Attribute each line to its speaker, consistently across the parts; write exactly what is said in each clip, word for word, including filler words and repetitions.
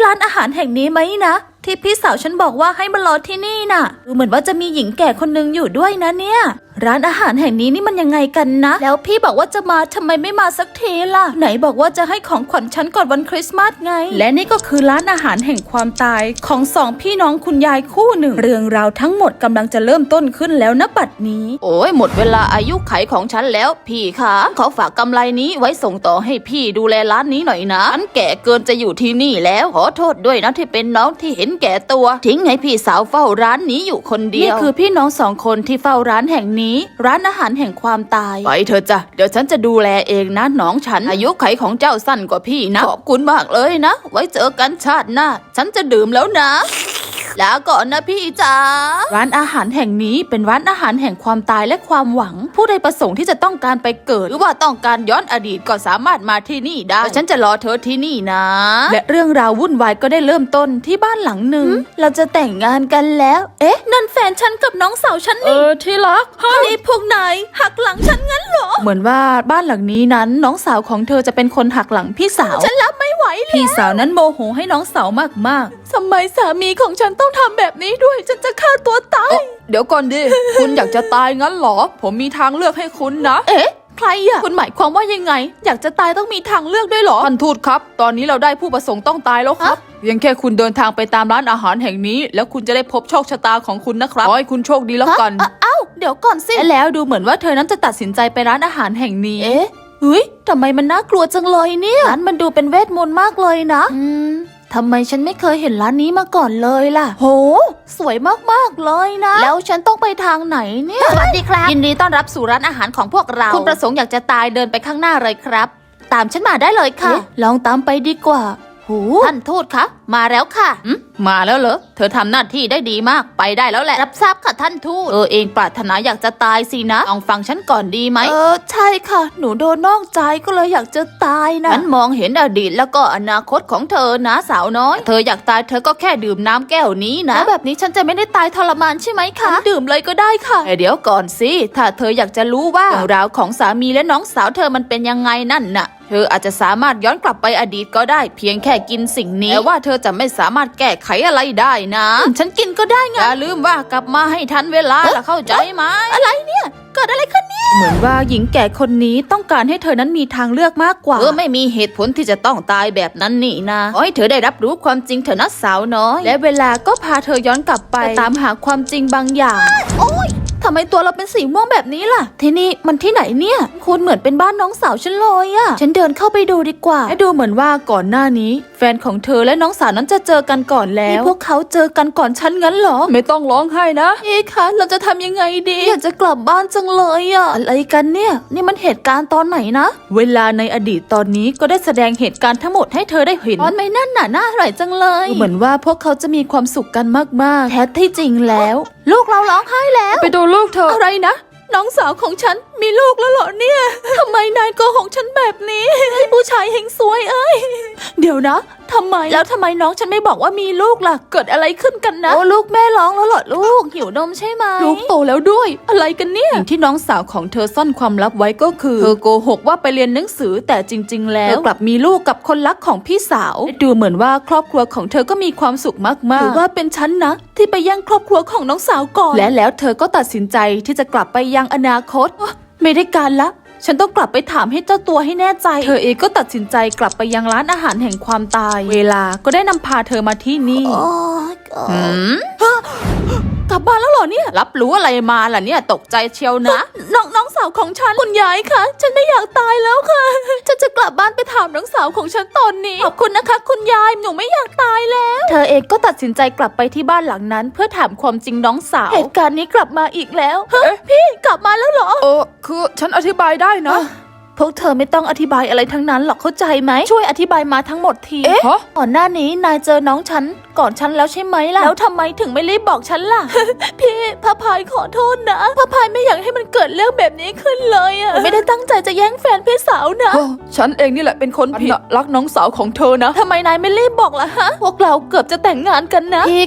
Speaker 1: ร้านอาหารแห่งนี้ไหมนะที่พี่สาวฉันบอกว่าให้มารอที่นี่น่ะดูเหมือนว่าจะมีหญิงแก่คนนึงอยู่ด้วยนะเนี่ยร้านอาหารแห่งนี้นี่มันยังไงกันนะแล้วพี่บอกว่าจะมาทำไมไม่มาสักทีล่ะไหนบอกว่าจะให้ของขวัญฉันก่อนวันคริสต์มาสไงและนี่ก็คือร้านอาหารแห่งความตายของสองพี่น้องคุณยายคู่หนึ่งเรื่องราวทั้งหมดกำลังจะเริ่มต้นขึ้นแล้วนะบัดนี้โอ้ยหมดเวลาอายุไขของฉันแล้วพี่คะขอฝากกำไรนี้ไว้ส่งต่อให้พี่ดูแลร้านนี้หน่อยนะฉันแก่เกินจะอยู่ที่นี่แล้วขอโทษด้วยนะที่เป็นน้องที่เห็นแก่ตัวทิ้งให้พี่สาวเฝ้าร้านนี้อยู่คนเดียวนี่คือพี่น้องสองคนที่เฝ้าร้านแห่งนี้ร้านอาหารแห่งความตายไปเถอะจ้ะเดี๋ยวฉันจะดูแลเองนะน้องฉันอายุไขของเจ้าสั้นกว่าพี่นะขอบคุณมากเลยนะไว้เจอกันชาติหน้าฉันจะดื่มแล้วนะลาก่อนนะพี่จ๋าร้านอาหารแห่งนี้เป็นร้านอาหารแห่งความตายและความหวังผู้ใดประสงค์ที่จะต้องการไปเกิดหรือว่าต้องการย้อนอดีตก็สามารถมาที่นี่ได้ฉันจะรอเธอที่นี่นะและเรื่องราววุ่นวายก็ได้เริ่มต้นที่บ้านหลังหนึ่งเราจะแต่งงานกันแล้วเอ๊ะนั่นแฟนฉันกับน้องสาวฉันนี่เออที่รักนี่พวกนายหักหลังฉันงั้นเหรอเหมือนว่าบ้านหลังนี้นั้นน้องสาวของเธอจะเป็นคนหักหลังพี่สาวฉันรับไม่ไหวแล้วพี่สาวนั้นโมโหให้น้องสาวมากๆทำไมสามีของฉันต้องทำแบบนี้ด้วยฉันจะฆ่าตัวตายเดี๋ยวก่อนดิ คุณอยากจะตายงั้นเหรอผมมีทางเลือกให้คุณนะเอ๊ะใครอะคุณหมายความว่ายังไงอยากจะตายต้องมีทางเลือกด้วยเหรอท่านทูตครับตอนนี้เราได้ผู้ประสงค์ต้องตายแล้วครับเพียงแค่คุณเดินทางไปตามร้านอาหารแห่งนี้แล้วคุณจะได้พบโชคชะตาของคุณนะครับขอให้คุณโชคดีแล้วกันเอ้าเดี๋ยวก่อนสิแล้วดูเหมือนว่าเธอนั้นจะตัดสินใจไปร้านอาหารแห่งนี้เอ๊ะเฮ้ยทำไมมันน่ากลัวจังเลยเนี่ยร้านมันดูเป็นเวทมนต์มากเลยนะอืมทำไมฉันไม่เคยเห็นร้านนี้มาก่อนเลยล่ะโหสวยมากๆเลยนะแล้วฉันต้องไปทางไหนเนี่ยสวัสดีครับยินดีต้อนรับสู่ร้านอาหารของพวกเราคุณประสงค์อยากจะตายเดินไปข้างหน้าเลยครับตามฉันมาได้เลยค่ะลองตามไปดีกว่าโหท่านทูตคะมาแล้วค่ะมาแล้วเหรอเธอทำหน้าที่ได้ดีมากไปได้แล้วแหละรับทราบค่ะท่านทูตเออเองปรารถนาอยากจะตายสินะลองฟังฉันก่อนดีไหมเออใช่ค่ะหนูโดนนอกใจก็เลยอยากจะตายนะฉันมองเห็นอดีตแล้วก็อนาคตของเธอนะสาวน้อยเธออยากตายเธอก็แค่ดื่มน้ำแก้วนี้นะแบบนี้ฉันจะไม่ได้ตายทรมานใช่ไหมคะดื่มเลยก็ได้ค่ะแต่เดี๋ยวก่อนสิถ้าเธออยากจะรู้ว่าเรื่องราวของสามีและน้องสาวเธอมันเป็นยังไงนั่นน่ะเธออาจจะสามารถย้อนกลับไปอดีตก็ได้เพียงแค่กินสิ่งนี้แต่ว่าเธอจะไม่สามารถแก้ไขอะไรได้นะฉันกินก็ได้ไงอย่าลืมว่ากลับมาให้ทันเวลาล่ะเข้าใจไหมอะไรเนี่ยเกิดอะไรขึ้นเนี่ยเหมือนว่าหญิงแก่คนนี้ต้องการให้เธอนั้นมีทางเลือกมากกว่าเธอไม่มีเหตุผลที่จะต้องตายแบบนั้นนี่นะขอให้เธอได้รับรู้ความจริงเถอะนะสาวน้อยและเวลาก็พาเธอย้อนกลับไปตามหาความจริงบางอย่างโอ๊ยทำไมตัวเราเป็นสีม่วงแบบนี้ล่ะที่นี่มันที่ไหนเนี่ยคุณเหมือนเป็นบ้านน้องสาวฉันเลยอะฉันเดินเข้าไปดูดีกว่าและดูเหมือนว่าก่อนหน้านี้แฟนของเธอและน้องสาวนั้นจะเจอกันก่อนแล้วพวกเขาเจอกันก่อนฉันงั้นเหรอไม่ต้องร้องไห้นะเอ๊ะคะเราจะทำยังไงดีอยากจะกลับบ้านจังเลยอะอะไรกันเนี่ยนี่มันเหตุการณ์ตอนไหนนะเวลาในอดีตตอนนี้ก็ได้แสดงเหตุการณ์ทั้งหมดให้เธอได้เห็นตอนไม่นั่นน่ะน่าอร่อยจังเลยเหมือนว่าพวกเขาจะมีความสุขกันมากๆแท้ที่จริงแล้วลูกเราร้องไห้แล้วไปดูลูกเธออะไรนะน้องสาวของฉันมีลูกแล้วเหรอเนี่ยทำไมนายโกหกฉันแบบนี้ไอ้ผู้ชายเฮงซวยเอ้ยเดี๋ยวนะทำไมแล้วทำไมน้องฉันไม่บอกว่ามีลูกล่ะเกิดอะไรขึ้นกันนะโอ้ลูกแม่ร้องแล้วเหรอลูกหิวนมใช่ไหมลูกโตแล้วด้วยอะไรกันเนี่ยสิ่งที่น้องสาวของเธอซ่อนความลับไว้ก็คือเธอโกหกว่าไปเรียนหนังสือแต่จริงๆแล้วเธอกลับมีลูกกับคนรักของพี่สาวดูเหมือนว่าครอบครัวของเธอก็มีความสุขมากๆหรือว่าเป็นฉันนะที่ไปแย่งครอบครัวของน้องสาวก่อนและแล้วเธอก็ตัดสินใจที่จะกลับไปยังอนาคตไม่ได้การละฉันต้องกลับไปถามให้เจ้าตัวให้แน่ใจเธอเองก็ตัดสินใจกลับไปยังร้านอาหารแห่งความตายเวลาก็ได้นำพาเธอมาที่นี่หืมกลับบ้านแล้วเหรอเนี่ยรับรู้อะไรมาล่ะเนี่ยตกใจเชียวนะน้องน้องสาวของฉันคุณยายคะฉันไม่อยากตายแล้วค่ะฉันจะกลับบ้านไปถามน้องสาวของฉันตอนนี้ขอบคุณนะคะคุณยายหนูไม่อยากตายแล้วเธอเองก็ตัดสินใจกลับไปที่บ้านหลังนั้นเพื่อถามความจริงน้องสาวเหตุการณ์นี้กลับมาอีกแล้วเฮ้ยพี่กลับมาแล้วเหรอเออคือฉันอธิบายได้นะพวกเธอไม่ต้องอธิบายอะไรทั้งนั้นหรอกเข้าใจไหมช่วยอธิบายมาทั้งหมดทีเอ๊ะก่อนหน้านี้นายเจอน้องฉันก่อนฉันแล้วใช่ไหมล่ะแล้วทำไมถึงไม่รีบบอกฉันล่ะ พี่พระพายขอโทษนะพระพายไม่อยากให้มันเกิดเรื่องแบบนี้ขึ้นเลยอะไม่ได้ตั้งใจจะแย่งแฟนพี่สาวนะฉันเองนี่แหละเป็นคนผิดรักน้องสาวของเธอนะทำไมนายไม่รีบบอกล่ะฮะพวกเราเกือบจะแต่งงานกันนะพี่คะ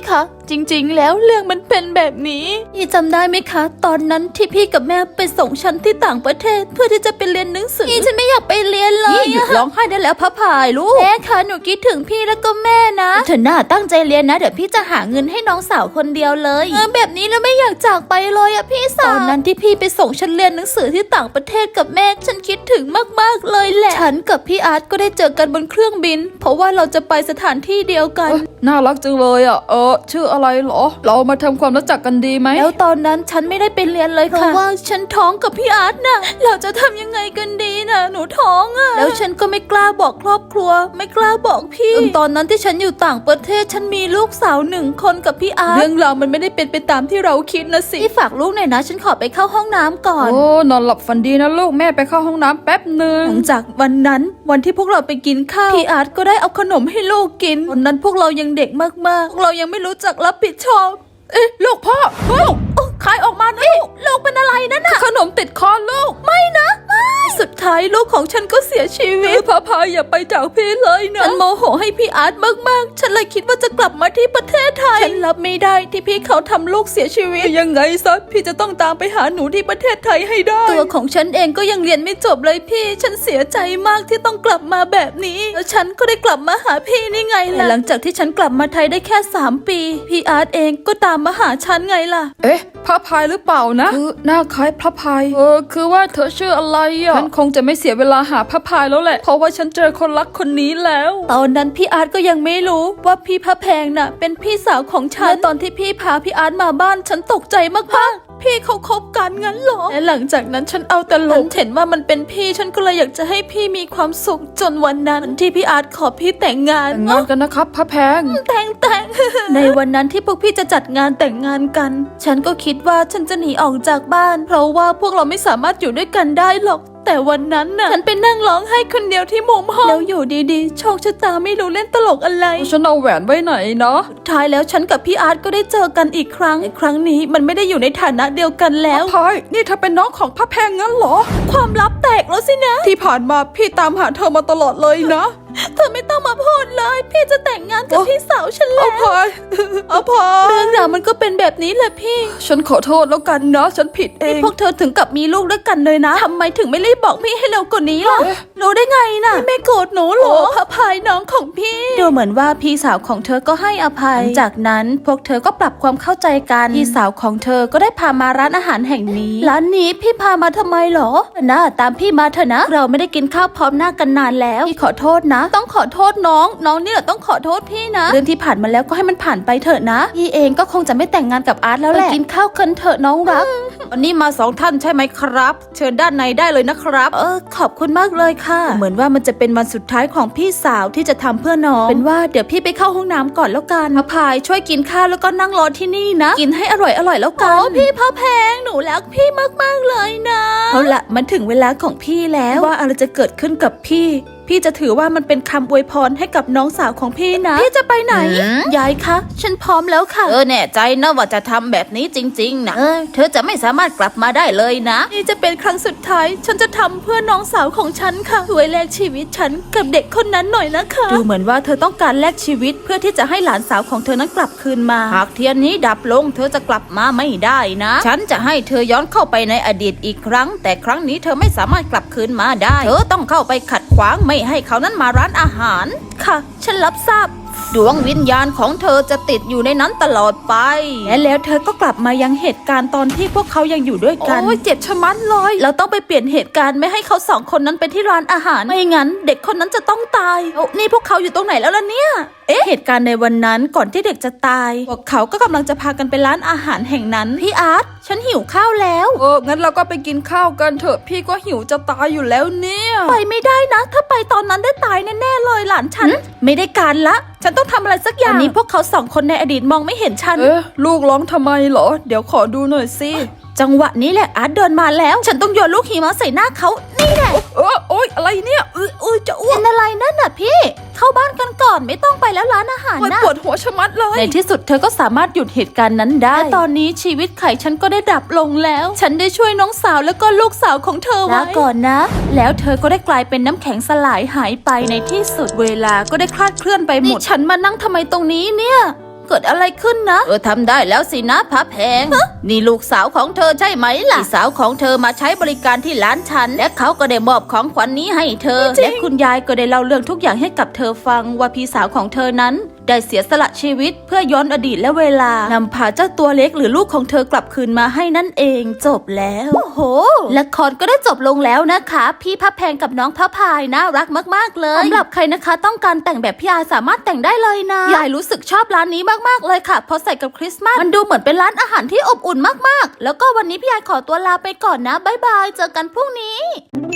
Speaker 1: จริงๆแล้วเรื่องมันเป็นแบบนี้พี่จำได้ไหมคะตอนนั้นที่พี่กับแม่ไปส่งฉันที่ต่างประเทศเพื่อที่จะไปเรียนหนังสือพี่ฉันไม่อยากไปเรียนเลยหยุดร้องไห้ได้แล้วพะพายลูกแม่คะหนูคิดถึงพี่แล้วก็แม่นะเธอหน้าตั้งใจเรียนนะเดี๋ยวพี่จะหาเงินให้น้องสาวคนเดียวเลยเออแบบนี้แล้วไม่อยากจากไปเลยอะพี่สาวตอนนั้นที่พี่ไปส่งฉันเรียนหนังสือที่ต่างประเทศกับแม่ฉันคิดถึงมากๆเลยแหละฉันกับพี่อาร์ตก็ได้เจอกันบนเครื่องบินเพราะว่าเราจะไปสถานที่เดียวกัน
Speaker 2: น่ารักจังเลยอ่ะเออชื่ออะไรเหรอเรามาทำความรู้จักกันดีไหม
Speaker 1: แล้วตอนนั้นฉันไม่ได้ไปเรียนเลยค่ะเพราะว่าฉันท้องกับพี่อาร์ตน่ะเราจะทำยังไงกันดีน่ะหนูท้องอ่ะแล้วฉันก็ไม่กล้าบอกครอบครัวไม่กล้าบอกพี่ตอนนั้นที่ฉันอยู่ต่างประเทศฉันมีลูกสาวหนึ่งคนกับพี่อาร์ต
Speaker 2: เรื่องราวมันไม่ได้เป็นไปตามที่เราคิดนะสิ
Speaker 1: พี่ฝากลูกหน่อยนะฉันขอไปเข้าห้องน้ำก่อน
Speaker 2: โอ้นอนหลับฝันดีนะลูกแม่ไปเข้าห้องน้ำแป๊บหนึ่ง
Speaker 1: หลังจากวันนั้นวันที่พวกเราไปกินข้าวพี่อาร์ตก็ได้เอาขนมให้ลูกกินตอนนั้นพวกเรายังเด็กมากๆพวกเรายังไม่รู้จักรับผิดชอบ
Speaker 2: เอ๊ะลูกพ่อลูก
Speaker 1: ขายออกมานะลูกลูกเป็นอะไรนั่นน่ะ
Speaker 2: ขนมติดคอลูก
Speaker 1: ไม่นะไม่สุดท้ายลูกของฉันก็เสียชีวิต
Speaker 2: พาพายอย่าไปจากพี่เลยนะ
Speaker 1: ฉันโมโหให้พี่อาร์ตมากๆฉันเลยคิดว่าจะกลับมาที่ประเทศไทยฉันรับไม่ได้ที่พี่เขาทำลูกเสียชีวิต
Speaker 2: ยังไงซะพี่จะต้องตามไปหาหนูที่ประเทศไทยให้ได้
Speaker 1: ตัวของฉันเองก็ยังเรียนไม่จบเลยพี่ฉันเสียใจมากที่ต้องกลับมาแบบนี้แล้วฉันก็ได้กลับมาหาพี่นี่ไงล่ะหลังจากที่ฉันกลับมาไทยได้แค่สามปีพี่อาร์ตเองก็ตามมาหาฉันไงล่ะ
Speaker 2: เอ๊ะพระพายหรือเปล่านะคือหน้าคล้ายพระพายเออคือว่าเธอชื่ออะไรอ่ะฉันคงจะไม่เสียเวลาหาพระพายแล้วแหละเพราะว่าฉันเจอคนรักคนนี้แล้ว
Speaker 1: ตอนนั้นพี่อาร์ตก็ยังไม่รู้ว่าพี่พระแพงน่ะเป็นพี่สาวของฉันและตอนที่พี่พาพี่อาร์ตมาบ้านฉันตกใจมากๆพี่เขาคบกันงั้นหรอและหลังจากนั้นฉันเอาแต่หลงเห็นว่ามันเป็นพี่ฉันก็เลยอยากจะให้พี่มีความสุขจนวันนั้นที่พี่อาร์ตขอพี่แต่งงาน
Speaker 2: แต่งงานกันนะครับพระแพง
Speaker 1: แต่งแต่ง ในวันนั้นที่พวกพี่จะจัดงานแต่งงานกันฉันก็คิดว่าฉันจะหนีออกจากบ้านเพราะว่าพวกเราไม่สามารถอยู่ด้วยกันได้หรอกแต่วันนั้นน่ะฉันไปนั่งร้องไห้คนเดียวที่มุมห้องแล้วอยู่ดีๆโชคชะตาไม่รู้เล่นตลกอะไร
Speaker 2: ฉันเอาแหวนไว้ไหนเนาะ
Speaker 1: ท้ายแล้วฉันกับพี่อาร์ตก็ได้เจอกันอีกครั้งในครั้งนี้มันไม่ได้อยู่ในฐานะเดียวกันแล้ว
Speaker 2: พายนี่เธอเป็นน้องของพระแพงงั้นเหรอ
Speaker 1: ความลับแตกแล้วสินะ
Speaker 2: ที่ผ่านมาพี่ตามหาเธอมาตลอดเลยนะ
Speaker 1: เธอไม่ต้องมาพูดเลยพี่จะแต่งงานกับพี่สาวฉันแล้ว
Speaker 2: อภัยอภัย
Speaker 1: เรื่องราวมันก็เป็นแบบนี้แหละพี่
Speaker 2: ฉันขอโทษแล้วกันนะฉันผิดเอง
Speaker 1: พวกเธอถึงกับมีลูกด้วยกันเลยนะทำไมถึงไม่รีบบอกพี่ให้เร็วกว่านี้ล่ะรู้ได้ไงน่ะไม่โกรธหนูหรออภัยน้องของพี่ดูเหมือนว่าพี่สาวของเธอก็ให้อภัยจากนั้นพวกเธอก็ปรับความเข้าใจกันพี่สาวของเธอก็ได้พามาร้านอาหารแห่งนี้ร้านนี้พี่พามาทำไมหรอนะตามพี่มาเถอะนะเราไม่ได้กินข้าวพร้อมหน้ากันนานแล้วพี่ขอโทษนะต้องขอโทษน้องน้องนี่แหละต้องขอโทษพี่นะเรื่องที่ผ่านมาแล้วก็ให้มันผ่านไปเถอะนะพี่เองก็คงจะไม่แต่งงานกับอาร์ตแล้วแหละไปกินข้าวกันเถอะน้องรัก
Speaker 2: วันนี้มาสองท่านใช่ไหมครับเชิญด้านในได้เลยนะครับ
Speaker 1: เออขอบคุณมากเลยค่ะเหมือนว่ามันจะเป็นวันสุดท้ายของพี่สาวที่จะทำเพื่อน้องเป็นว่าเดี๋ยวพี่ไปเข้าห้องน้ำก่อนแล้วกันพระพายช่วยกินข้าวแล้วก็นั่งรอที่นี่นะกินให้อร่อยอร่อยแล้วกันโอ้พี่พระแพงหนูรักพี่มากๆเลยนะเอาละมันถึงเวลาของพี่แล้วว่าอะไรจะเกิดขึ้นกับพี่พี่จะถือว่ามันเป็นคำอวยพรให้กับน้องสาวของพี่นะพี่จะไปไหนยายคะฉันพร้อมแล้วค่ะ
Speaker 3: เออแน่ใจนะว่าจะทำแบบนี้จริงๆนะเออเธอจะไม่สามารถกลับมาได้เลยนะ
Speaker 1: นี่จะเป็นครั้งสุดท้ายฉันจะทำเพื่อน้องสาวของฉันค่ะช่วยแลกชีวิตฉันกับเด็กคนนั้นหน่อยนะคะดูเหมือนว่าเธอต้องการแลกชีวิตเพื่อที่จะให้หลานสาวของเธอนั้นกลับคืนมา
Speaker 3: หากเทียนนี้ดับลงเธอจะกลับมาไม่ได้นะฉันจะให้เธอย้อนเข้าไปในอดีตอีกครั้งแต่ครั้งนี้เธอไม่สามารถกลับคืนมาได้เธอต้องเข้าไปขัดขวางไม่ให้เขานั้นมาร้านอาหาร
Speaker 1: ค่ะฉันรับทราบ
Speaker 3: ดวงวิญญาณของเธอจะติดอยู่ในนั้นตลอดไป
Speaker 1: และแล้วเธอก็กลับมายังเหตุการณ์ตอนที่พวกเขายังอยู่ด้วยกัน
Speaker 2: โอ้ยเจ็บชะมัดเลย
Speaker 1: เราต้องไปเปลี่ยนเหตุการณ์ไม่ให้เขาสองคนนั้นไปที่ร้านอาหารไม่งั้นเด็กคนนั้นจะต้องตายโอ้นี่พวกเขาอยู่ตรงไหนแล้วล่ะเนี่ยเอ๊ะเหตุการณ์ในวันนั้นก่อนที่เด็กจะตายพวกเขาก็กำลังจะพากันไปร้านอาหารแห่งนั้นพี่อาร์ตฉันหิวข้าวแล้ว
Speaker 2: เอองั้นเราก็ไปกินข้าวกันเถอะพี่ก็หิวจะตายอยู่แล้วเนี่ย
Speaker 1: ไปไม่ได้นะถ้าไปตอนนั้นได้ตายแน่ๆเลยหลานฉันไม่ได้การละฉันต้องทำอะไรสักอย่างอันนี้พวกเขาสองคนในอดีตมองไม่เห็นฉัน
Speaker 2: เอ๊ะลูกร้องทำไมเหรอเดี๋ยวขอดูหน่อยสิ
Speaker 1: จังหวะนี้แหละอาร์ตเดินมาแล้วฉันต้องโยนลูกหิมะใส่หน้าเขานี่แหละ
Speaker 2: เออโอ๊ยอะไรเนี่ย
Speaker 1: เออเออจะอ้วกเป็นอะไรนั่นน่ะพี่เข้าบ้านกันก่อนไม่ต้องไปแล้วร้านอาหารนะ
Speaker 2: ปวดหัวชะมัดเลย
Speaker 1: ในที่สุดเธอก็สามารถหยุดเหตุการณ์นั้นได้และตอนนี้ชีวิตไข่ฉันก็ได้ดับลงแล้วฉันได้ช่วยน้องสาวแล้วก็ลูกสาวของเธอไว้ลาก่อนนะแล้วเธอก็ได้กลายเป็นน้ำแข็งสลายหายไปในที่สุดเวลาก็ได้คลาดเคลื่อนไปหมดฉันมานั่งทำไมตรงนี้เนี่ยเกิดอะไรขึ้นนะ
Speaker 3: เธอทำได้แล้วสินะพระแพงนี่ลูกสาวของเธอใช่ไหมล่ะพี่สาวของเธอมาใช้บริการที่ร้านฉันและเขาก็ได้มอบของขวัญ น, นี้ให้เธอและคุณยายก็ได้เล่าเรื่องทุกอย่างให้กับเธอฟังว่าพี่สาวของเธอนั้นได้เสียสละชีวิตเพื่อย้อนอดีตและเวลานำพาเจ้าตัวเล็กหรือลูกของเธอกลับคืนมาให้นั่นเองจบแล้วโอ้โหละครก็ได้จบลงแล้วนะคะพี่พระแพงกับน้องพระพายน่ารักมากๆเลยสำหรับใครนะคะต้องการแต่งแบบพี่ยายสามารถแต่งได้เลยนะยายรู้สึกชอบร้านนี้มากๆเลยค่ะเพราะใส่กับคริสต์มาสมันดูเหมือนเป็นร้านอาหารที่อบอุ่นมากๆแล้วก็วันนี้พี่ยายขอตัวลาไปก่อนนะบ๊ายบายเจอกันพรุ่งนี้